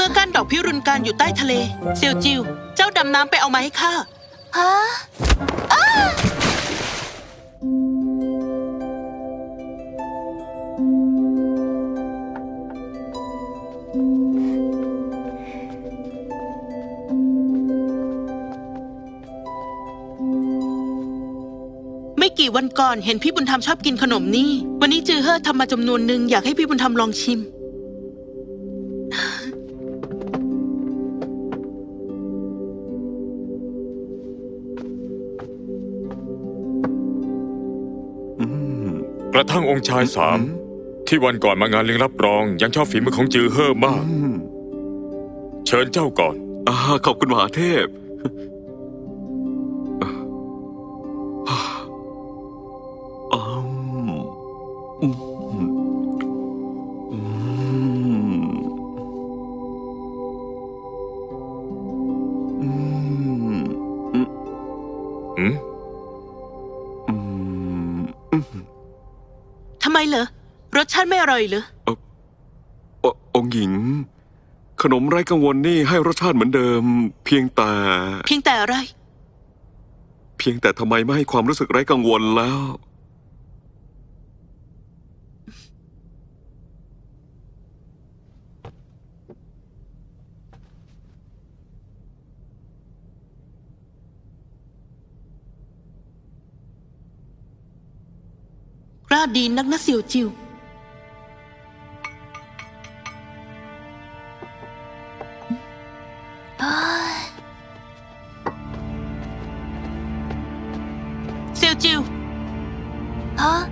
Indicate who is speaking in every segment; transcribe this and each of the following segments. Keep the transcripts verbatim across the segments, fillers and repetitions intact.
Speaker 1: มื่อก้านดอกพิรุณการอยู่ใต้ทะเลเซียวจิวเจ้าดำน้ำไปเอามาให้ข้า
Speaker 2: ฮะอ้า
Speaker 1: ไม่กี่วันก่อนเห็นพี่บุญธรรมชอบกินขนมนี่วันนี้จือเฮ่อทำมาจำนวนหนึ่งอยากให้พี่บุญธรรมลองชิม
Speaker 3: กระทั่งองค์ชายสามที่วันก่อนมางานเลี้ยงรับรองยังชอบฝีมือของจือเฮ่อมากเชิญเจ้าก่อน
Speaker 4: อ่าขอบคุณมหาเทพ
Speaker 1: ทำไมเหรอรสชาติไม่อร่อยเหรอ
Speaker 4: อองค์หญิงขนมไร้กังวลนี่ให้รสชาติเหมือนเดิมเพียงแต่
Speaker 1: เพียงแต่อะไร
Speaker 4: เพียงแต่ทำไมไม่ให้ความรู้สึกไร้กังวลแล้ว
Speaker 1: กล้าดีนักนะเสี่ยวจิวเสี่ยวจิว
Speaker 2: ฮะ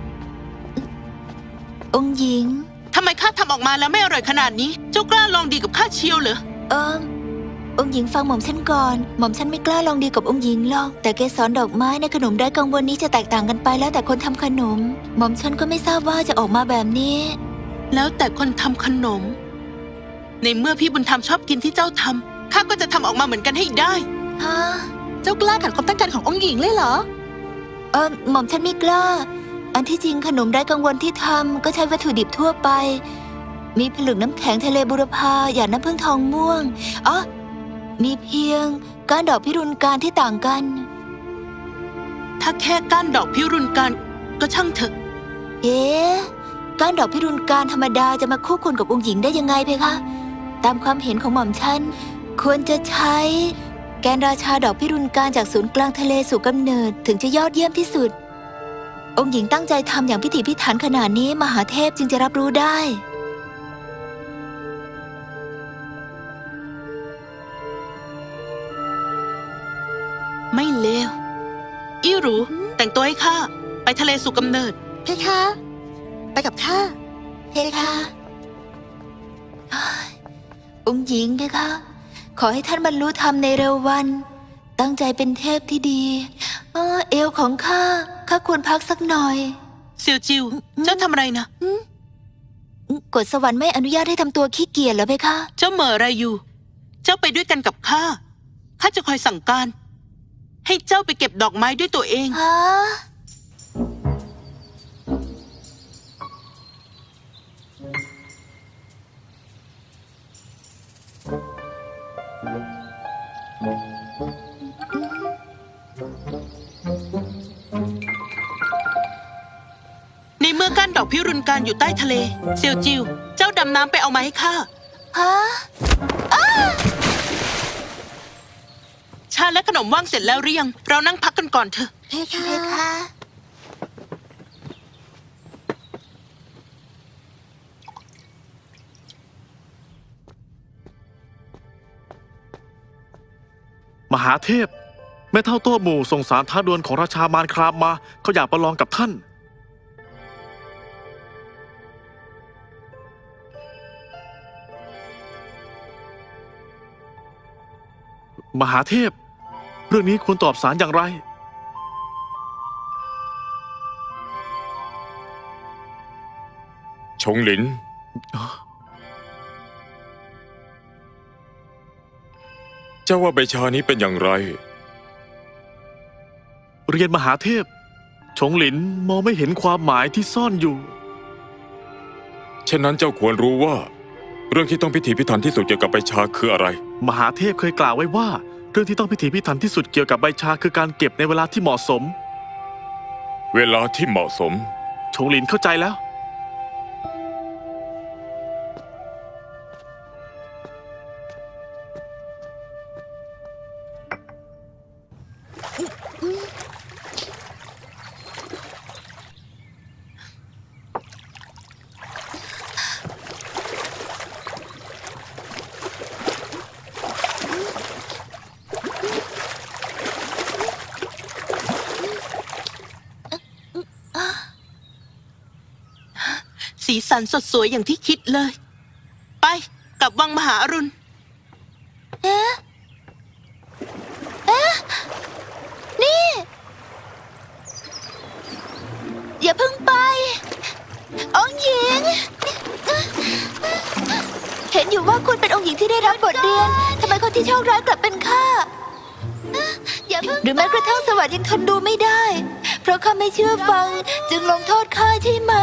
Speaker 2: องค์หญิง
Speaker 1: ทำไมข้าทำออกมาแล้วไม่อร่อยขนาดนี้เจ้ากล้าลองดีกับข้าเชียวเหรอ
Speaker 2: เอิมองค์หญิงฟังหม่อมฉันก่อนหม่อมฉันไม่กล้าลองดีกับองค์หญิงหรอกแต่เกสรดอกไม้ในขนมไร้กังวลนี้จะแตกต่างกันไปแล้วแต่คนทำขนมหม่อมฉันก็ไม่ทราบว่าจะออกมาแบบนี้
Speaker 1: แล้วแต่คนทำขนมในเมื่อพี่บุญธรรมชอบกินที่เจ้าทำข้าก็จะทำออกมาเหมือนกันให้ได้
Speaker 2: ฮะ
Speaker 1: เจ้ากล้าขัดความตั้งใจขององค์หญิงเลยเหรอ
Speaker 2: เออหม่อมฉันไม่กล้าอันที่จริงขนมไร้กังวลที่ทำก็ใช้วัตถุดิบทั่วไปมีผลึกน้ำแข็งทะเลบุรพาหยาดน้ำผึ้งทองม่วงอ๋อมีเพียงก้านดอกพิรุณการที่ต่างกัน
Speaker 1: ถ้าแค่ก้านดอกพิรุณการก็ช่างเถอะ
Speaker 2: เอ๊ะก้านดอกพิรุณการธรรมดาจะมาคู่ควรกับองค์หญิงได้ยังไงเพคะตามความเห็นของหม่อมฉันควรจะใช้แกนราชาดอกพิรุณการจากศูนย์กลางทะเลสู่กำเนิดถึงจะยอดเยี่ยมที่สุดองค์หญิงตั้งใจทำอย่างพิถีพิถันขนาดนี้มหาเทพจึงจะรับรู้ได้
Speaker 1: ไม่เลวอี้หรูแต่งตัวให้ข้าไปทะเลสู่กำเนิด
Speaker 2: เพคะไปกับข้าเพคะองค์หญิงเพคะขอให้ท่านบรรลุธรรมในเร็ววันตั้งใจเป็นเทพที่ดีเออเอวของข้าข้าควรพักสักหน่อย
Speaker 1: เสี่ยวจิวเจ้าทำอะไรนะ
Speaker 2: กฎสวรรค์ไม่อนุญาตให้ทำตัวขี้เกียจเหรอเพคะ
Speaker 1: เจ้าเหม่ออะไรอยู่เจ้าไปด้วยกันกับข้าข้าจะคอยสั่งการให้เจ้าไปเก็บดอกไม้ด้วยตัวเอง
Speaker 2: ฮะ
Speaker 1: ในเมื่อก้านดอกพิรุณการอยู่ใต้ทะเลเซียวจิวเจ้าดำน้ำไปเอามาให้ข้า
Speaker 2: ฮะ
Speaker 1: ชาและขนมว่างเสร็จแล้วหรือยังเรานั่งพักกันก่อนเถอะ
Speaker 2: เพคะเพคะ
Speaker 5: มหาเทพแม่เท่าโต้หมู่ส่งสารท้าดวลของราชามารครามมาเขาอยากประลองกับท่านมหาเทพเรื่องนี้ควรตอบสารอย่างไร
Speaker 3: ชงหลินเจ้าว่าใบชานี้เป็นอย่างไร
Speaker 5: เรียนมหาเทพชงหลินมองไม่เห็นความหมายที่ซ่อนอยู่
Speaker 3: ฉะนั้นเจ้าควรรู้ว่าเรื่องที่ต้องพิถีพิถันที่สุดเกี่ยวกับใบชาคืออะไร
Speaker 5: มหาเทพเคยกล่าวไว้ว่า เรื่องที่ต้องพิถีพิถันที่สุดเกี่ยวกับใบชาคือการเก็บในเวลาที่เหมาะสม
Speaker 3: เวลาที่เหมาะสม
Speaker 5: ชงหลินเข้าใจแล้ว
Speaker 1: สีสันสดสวยอย่างที่คิดเลย ไปกลับวังมหาอรุณ
Speaker 2: เอ๊ะ เอ๊ะ นี่ อย่าเพิ่งไป องค์หญิง เห็นอยู่ว่าคุณเป็นองค์หญิงที่ได้รับบทเรียน ทำไมคนที่โชคร้ายกลับเป็นข้า อย่าเพิ่งหรือแม้กระทั่งสวัสดิ์ยังทนดูไม่ได้ เพราะข้าไม่เชื่อฟัง จึงลงโทษข้าใช่ไหม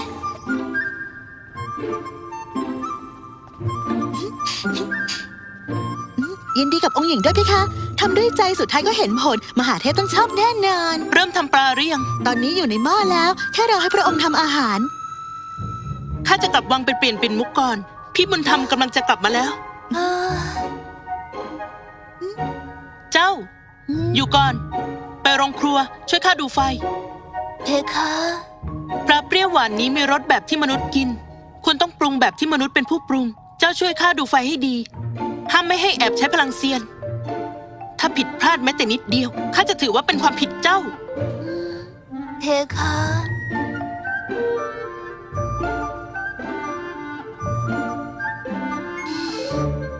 Speaker 6: ยินดีกับองค์หญิงด้วยเพคะทำด้วยใจสุดท้ายก็เห็นผล มหาเทพต้องชอบแน่นอน
Speaker 1: เริ่มทำปลาหรือยัง
Speaker 6: ตอนนี้อยู่ในหม้อแล้ว แค่รอให้พระองค์ทำอาหาร
Speaker 1: ข้าจะกลับวังไปเปลี่ยนเป็นมุกก่อน พี่บุญธรรมกำลังจะกลับมาแล้ว เจ้า อยู่ก่อน ไปโรงครัวช่วยข้าดูไฟ
Speaker 2: เพคะ
Speaker 1: ปลาเปรี้ยวหวานนี้มีรสแบบที่มนุษย์กิน คุณต้องปรุงแบบที่มนุษย์เป็นผู้ปรุง เจ้าช่วยข้าดูไฟให้ดี ห้ามไม่ให้แอบใช้พลังเซียน ถ้าผิดพลาดแม้แต่นิดเดียวข้าจะถือว่าเป็นความผิดเจ้า
Speaker 2: เพคะ
Speaker 1: เ